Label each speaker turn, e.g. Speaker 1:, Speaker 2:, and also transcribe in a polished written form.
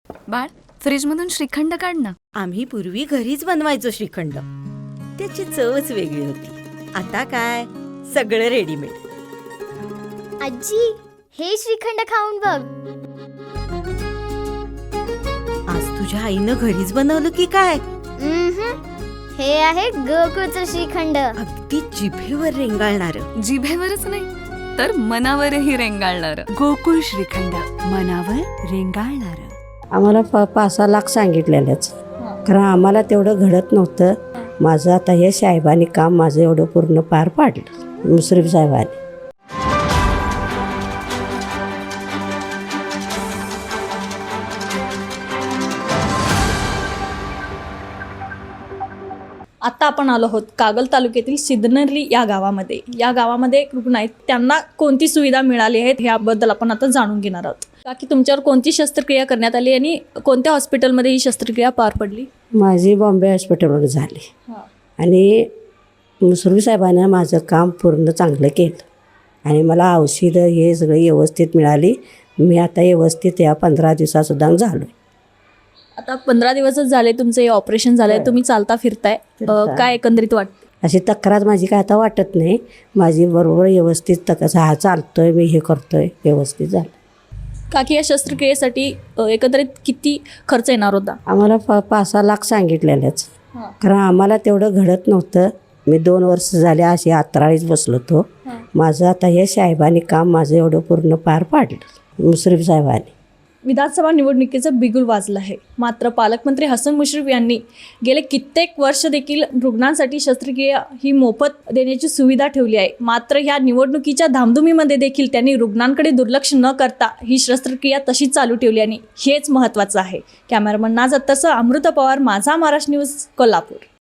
Speaker 1: बाळ, फ्रीजमधून श्रीखंड काढ ना.
Speaker 2: आम्ही पूर्वी घरीच बनवायचो श्रीखंड. त्याची चवच वेगळी होती. आता काय सगळं रेडीमेड.
Speaker 3: आजी, हे श्रीखंड खाऊन बघ.
Speaker 2: आज तुझ्या आईनं घरीच बनवलं की काय?
Speaker 3: हे आहे गोकुळचं श्रीखंड.
Speaker 2: अगदी जिभेवर रेंगाळणार.
Speaker 1: जिभेवरच नाही तर मनावरही रेंगाळणार.
Speaker 4: गोकुळ श्रीखंड, मनावर रेंगाळणार.
Speaker 5: आम्हाला 5-6 लाख सांगितलेलंच, कारण आम्हाला तेवढं घडत नव्हतं. माझं आता हे साहेबांनी काम माझं एवढं पूर्ण पार पाडलं, मुश्रीफ साहेबांनी.
Speaker 6: आता आपण आलो आहोत कागल तालुक्यातील सिद्धनर्ली या गावामध्ये एक रुग्ण आहेत. त्यांना कोणती सुविधा मिळाली आहेत याबद्दल आपण आता जाणून घेणार आहोत. की तुमच्यावर कोणती शस्त्रक्रिया करण्यात आली आणि कोणत्या हॉस्पिटलमध्ये ही शस्त्रक्रिया पार पडली?
Speaker 5: माझी बॉम्बे हॉस्पिटलवर झाली आणि मुश्रीफ साहेबांनी माझं काम पूर्ण चांगलं केलं आणि मला औषधं हे सगळं व्यवस्थित मिळाली. मी आता व्यवस्थित या 15 दिवसासुद्धा झालो.
Speaker 6: आता 15 दिवसच झाले तुमचं हे ऑपरेशन झालंय, तुम्ही चालता फिरताय, काय एकंदरीत वाटतं?
Speaker 5: अशी तक्रार माझी काय आता वाटत नाही. माझी बरोबर व्यवस्थित हा चालतोय, मी हे करतोय, व्यवस्थित झालं.
Speaker 6: काकी, या शस्त्रक्रियेसाठी एकंदरीत किती खर्च येणार होता?
Speaker 5: आम्हाला 5-6 लाख सांगितलेलंच, कारण आम्हाला तेवढं घडत नव्हतं. मी 2 वर्ष झाले अशी आत्राळीच बसलो होतो. माझं आता हे साहेबांनी काम माझं एवढं पूर्ण पार पाडलं, मुश्रीफ साहेबांनी.
Speaker 6: विधानसभा निवडणुकीचं बिगुल वाजलं आहे. मात्र पालकमंत्री हसन मुश्रीफ यांनी गेले कित्येक वर्ष देखील रुग्णांसाठी शस्त्रक्रिया ही मोफत देण्याची सुविधा ठेवली आहे. मात्र ह्या निवडणुकीच्या धामधुमीमध्ये देखील त्यांनी रुग्णांकडे दुर्लक्ष न करता ही शस्त्रक्रिया तशीच चालू ठेवली आणि हेच महत्त्वाचं आहे. कॅमेरामन नाझ अत्तरसह अमृता पवार, माझा महाराष्ट्र न्यूज, कोल्हापूर.